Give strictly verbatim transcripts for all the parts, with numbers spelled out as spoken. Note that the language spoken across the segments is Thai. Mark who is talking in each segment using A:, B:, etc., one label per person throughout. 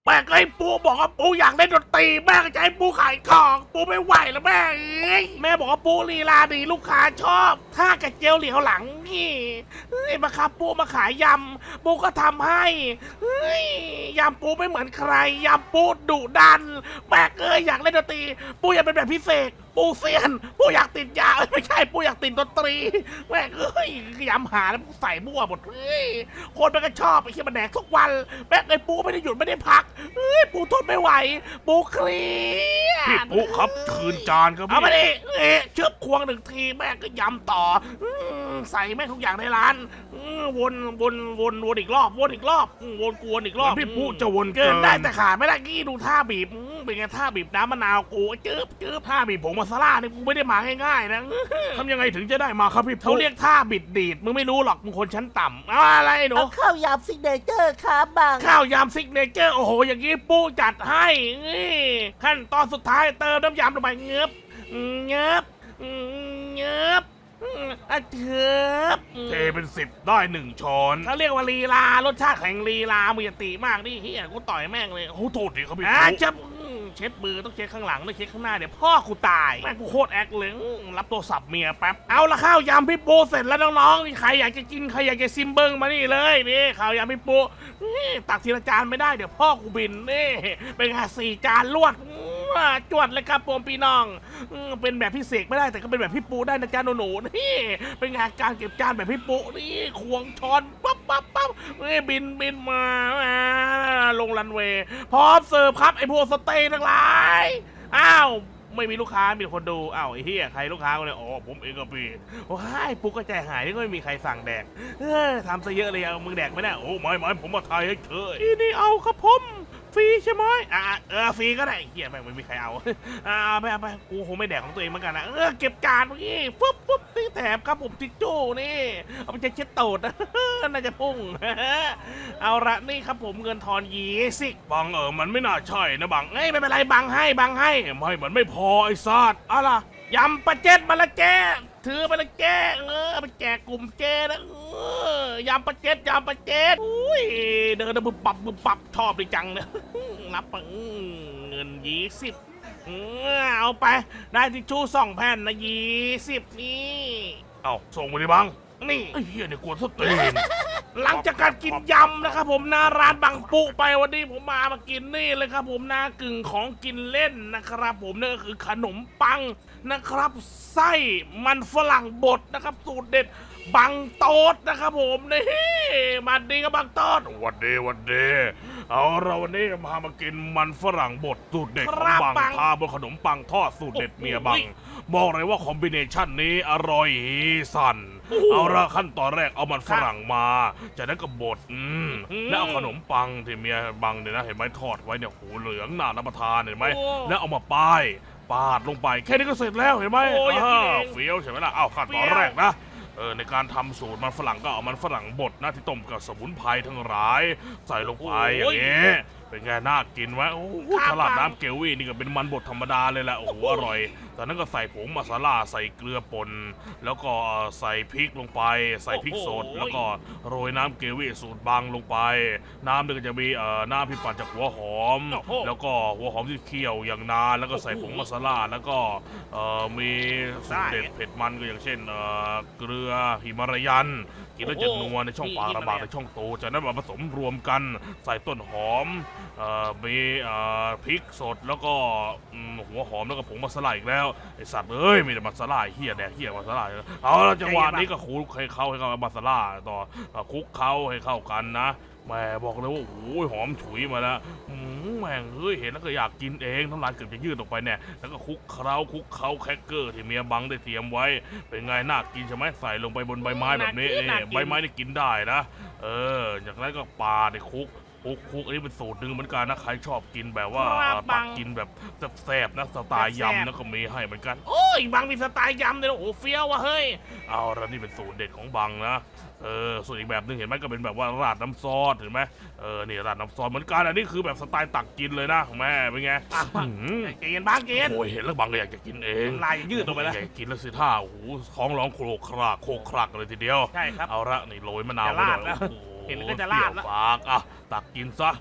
A: แม่ก็ให้ปูบอกว่าปูอยากเล่นดนตรีแม่ก็จะให้ปูขายของปูไม่ไหวแล้วแม่เอ้ยแม่บอกว่าปูลีลาดีลูกค้าชอบถ้ากระเจียวเหลียวหลังนี่เฮ้ยมาครับปูมาขายยำปูก็ทำให้เฮ้ยยำปูไม่เหมือนใครยำปูดุดันแม่เอ้ยอยากเล่นดนตรีปูอยากเป็นแบบพิเศษปูเซียนปูอยากติดยาไม่ใช่ปูอยากติดดนตรีแม่เอ้ยยำหาแล้วใส่มั่วหมดเฮ้ยคนมันก็ชอบไอ้เชี่ยมันแดกทุกวันแม่เอ้ยปูไม่ได้หยุดไม่ได้พักเฮ้ยปูทนไม่ไหวปูเครียด
B: พี่ปุ๊ครับคืนจานครับ
A: เอา
B: พี่
A: มาดิเอ๊ะเชือบควงหนึ่งทีแม่ก็ยำต่ออืมใส่แม่งทุกอย่างในร้านอืมวนวนวนวนอีกรอบวนอีกรอบอืมวนกวนอีกรอบ
B: พี่ปุ๊จะวน
A: เกินได้แต่ขาดไม่ได้กี้ดูท่าบีบอืมเป็นไงท่าบีบน้ำมะนาวกูจืบจืบท่าบีบผงมาซาร่านี่กูไม่ได้มาง่ายๆนะ
B: ทำยังไงถึงจะได้มาครับพี่
A: เขา
B: ปุ๊
A: เรียกท่าบิดดีดมึงไม่รู้หรอกมึงคนชั้นต่ำเอาอะไรหนู
C: เอาข้าวยำซิกเนเจอร์ครับบัง
A: ข้าวยำซิกเนเจอร์โอ้โหอย่างนี้ปูจัดให้นี่ขั้นตอนสุดท้ายเติมน้ำยำลงไปเงือบเงือบเงือบอ่ะเถือบ
B: เทเป็นสิบได้หนึ่งช้อน
A: เขาเรียกว่าลีลารสชาติแห่งลีลามือตีมากนี่เฮียกูต่อยแม่งเลย
B: โอ้โทษทีครับพี่
A: อ่ะ
B: ปุ๊
A: จะอืมเช็ดมือต้องเช็ดข้างหลังต้องเช็ดข้างหน้าเดี๋ยวพ่อกูตายแม่งกูโคตรแอคเลยอืมรับโทรศัพท์เมียแป๊บเอาละข้าวยำพี่ปูเสร็จแล้วน้องๆนี่ใครอยากจะกินใครอยากจะซิมเบิ้งมานี่เลยนี่ข้าวยำพี่ปูนี่ตักทีละจานไม่ได้เดี๋ยวพ่อกูบินนี่เป็นไงสี่จานรวดอืมอ่ะจวดเลยครับผมพี่น้องอืมเป็นแบบพี่เสกไม่ได้แต่ก็เป็นแบบพี่ปูได้นะจ๊ะหนูๆนี่เป็นไงการเก็บจานแบบพี่ปูนี่ควงช้อนปั๊บปั๊บปั๊บนี่บินบินมาอ่าลงรันเวย์พร้อมเสิร์ฟครับไอ้พวกสเต็กทั้งหลายอ้าวไม่มีลูกค้ามีแต่คนดูอ้าวไอ้เหี้ยใครลูกค้าก็เลยอ๋อผมเองก็พี่ว้ายปุ๊กก็ใจหายที่ก็ไม่มีใครสั่งแดกเออทำซะเยอะเลยเอามึงแดกไม่ได้โอ้
B: โอ้ไม่ไม่ผมมาทายให้เธอ
A: ที่นี่เอาครับผมฟรีใช่ไหมอ่าเออฟรีก็ได้เหี้ยแม่งไม่มีใครเอา อ่าเอาไปเอาไปกูคงไม่แดกของตัวเองเหมือนกันนะเออเก็บจานเมื่อกี้ปุ๊บปุ๊บนี่แถมครับผมทิชชู่นี่เอาไปเช็ดตูด น่าจะพุ่ง เอาละนี่ครับผมเงินทอนยี่สิบ
B: บังเออมันไม่น่าใช่นะบัง
A: เอ้ยไม่เป็นไรบังให้บังให้
B: ไม่มันไม่พอไอ้สัตว์
A: เอาล่ะยำปลาเจ็ดมาละแกถือไปละแกเออเอาไปแจกกลุ่มเจนะเออยำปลาเจ็ดยำปลาเจ็ดอุ้ยเดินบึบปับบึบปับชอบดีจังเนี่ย รับไปอืมเงินยี่สิบเอาไปได้ทิชชู่สองแผ่นนะยี่สิบนี่
B: เอ้าส่งมาดิบัง
A: นี่
B: ไอ้เหี้ยเนี่ยกวนสตีน
A: หลังจากการกินยำนะครับผมหน้าร้านบางปุไปวันนี้ผมมามากินนี่เลยครับผมหน้ากึ่งของกินเล่นนะครับผมนั่นก็คือขนมปังนะครับไส้มันฝรั่งบดนะครับสูตรเด็ดบังโต๊ดนะครับผมนี่มาดีกับบางโต๊ด
B: วันเดวันเดเอาเราวันนี้พามากินมันฝรั่งบดสูตรเด็ดข
A: ค
B: อง
A: รับ
B: บัง
A: บัง
B: ทาบนขนมปังทอดสูตรเด็ด
A: โอ้โห
B: เมียบังบอกเลยว่าคอมบิเนชันนี้อร่อยสันเอาละขั้นตอนแรกเอามันฝรั่งมาจากนั้นก็บดอืม
A: อืม
B: แล้วเอาขนมปังที่เมียบังเนี่ยนะเห็นไหมทอดไว้เนี่ยหูเหลืองน่ารับประทานเห็นไหม
A: โอ้
B: แล้วเอามาป้ายปาดลงไปแค่นี้ก็เสร็จแล้วเห็นไหม
A: โอ้อยากกินเอง
B: าเฟี้ยวใช่ไหมล่ะเอาขั้นตอน
A: เฟี้ยว
B: แรกนะ เออในการทำสูตรมันฝรั่งก็เอามันฝรั่งบดนะที่ต้มกับสมุนไพรทั้งหลาย ใส่ลงไปอย่างนี้เป็นไงน่ากินไหมโอ้โหตลาดน้ำเกลวี่นี่ก็เป็นมันบดธรรมดาเลยแหละโอ้โหอร่อยจากนั้นก็ใส่ผงมาซาล่าใส่เกลือป่นแล้วก็ใส่พริกลงไป ใส่พริกสดแล้วก็โรยน้ำเกลวี่สูตรบางลงไป น้ำเนี่ยก็จะมีเอ่อน้ำที่ปั่นจากหัวหอม แล้วก็หัวหอมที่เคี่ยวอย่างนานแล้วก็ใส่ผงมาซาล่าแล้วก็เอ่อมีสูตรเด็ดเผ็ดมันก็อย่างเช่นเอ่อเกลือหิมารายันกินแล้วจะนัวในช่องปากระบาดในช่องโตจากนั้นมาผสมรวมกันใส่ต้นหอมเอ่อมีเอ่อพริกสดแล้วก็อืมหัวหอมแล้วก็ผงมาซาล่าอีกแล้วไอสัตว์เอ้ยมีแต่มาซาล่าเฮียแดกเฮียมาซาล่าเอาละจังหวะนี้ก็คลุกให้เข้าให้เข้ากับมาซาล่าต่อเอ่อคลุกเข้าให้เข้ากันนะแหม่บอกเลยว่าโอ้ยหอมฉุยมาแล้วอืมแม่งเฮ้ยเห็นแล้วก็อยากกินเองน้ำลายเกือบจะยืดออกไปเนี่ยแล้วก็คลุกเคล้าคลุกเคล้าแครกเกอร์ที่เมียบังได้เตรียมไว้เป็นไงน่ากินใช่ไหมใส่ลงไปบนใบไม้แบบนี้
A: น่ากิน
B: เอ้ยใบไม้นี่กินได้นะเออจากนั้นก็ปาในคลุกคลุกคลุกอันนี้เป็นสูตรหนึ่งเหมือนกันนะใครชอบกินแบบว่า
A: ครับ
B: ตั
A: บั
B: ก
A: ง
B: กินแบบแซ่บๆนะสไตล์
A: แซ่บๆ
B: ยำนะก็มีให้เหมือนกัน
A: โอ้ยบางมีสไตล์ยำเลยนะโอ้โหเฟี้ยวว่ะเฮ้ย
B: เอาแล้วนี่เป็นสูตรเด็ดของบังนะเออส่วนอีกแบบหนึงเห็นไหมก็เป็นแบบว่าราดน้ำซอสเห็นไหมเออนี่ราดน้ำซอสเหมือนกันอันนี้คือแบบสไตล์ตักกินเลยนะแม่เป็นไง
A: อ่ะ
B: อื้อหือ
A: เกณฑ์บ้างเกณฑ์
B: โอ้ยเห็นแล้วบังก็อยากจะกินเอง
A: ลายยืดออกไปแล้ว
B: อยากกินแล้วสิท่าโอ้โหท้องร้องโครกครากโคกครักเลยทีเดียว
A: ใช่ครับ
B: เอาละนี่โรยมะนาว
A: จะราด
B: ไปหน่อย
A: แล้ว
B: โอ้โห
A: เห็นแล้วก็จะราดแล้ว
B: เปรี้ยปากอ่ะตักกินซะเอ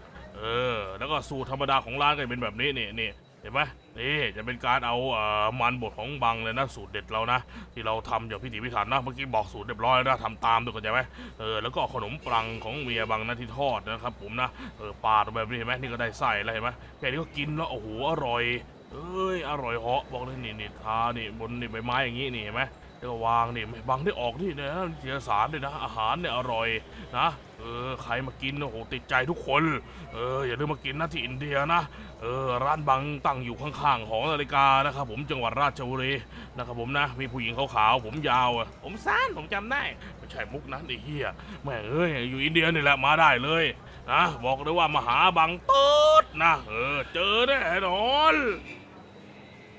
B: ออแล้วก็สูตรธรรมดาของร้านก็จะเป็นแบบนี้นี่นี่เห็นไหมนี่จะเป็นการเอาเอ่อมันบดของบังเลยนะสูตรเด็ดเรานะที่เราทำอย่างพิถีพิถันนะเมื่อกี้บอกสูตรเรียบร้อยแล้วนะทำตามด้วยกันใช่ไหมเออแล้วก็ขนมปังของเมียบังนะที่ทอดนะครับผมนะเออปาดแบบนี้เห็นไหมนี่ก็ได้ไส้แล้วเห็นไหมแค่นี้ก็กินแล้วโอ้โหอร่อยเอ้ยอร่อยเหาะบอกเลยนี่นี่ทานี่บนนี่ใบไม้อย่างงี้นี่เห็นไหมแล้วก็วางนี่บังได้ออกนี่นะเสียสารเลยนะอาหารเนี่ยอร่อยนะเออใครมากินโอ้โหติดใจทุกคนเอออย่าลืมมากินนะที่อินเดียนะเออร้านบังตั้งอยู่ข้างๆหอนาฬิกานะครับผมจังหวัดราชบุรีนะครับผมนะมีผู้หญิงขาวๆผมยาวอ่ะ
A: ผมสั้นผมจำได้
B: ไม่ใช่มุกนั้นไอ้เหี้ยแม่งเอ้ยอยู่อินเดียนี่แหละมาได้เลยนะบอกเลยว่ามาหาบังต๊ดนะเออเจอแน่นอน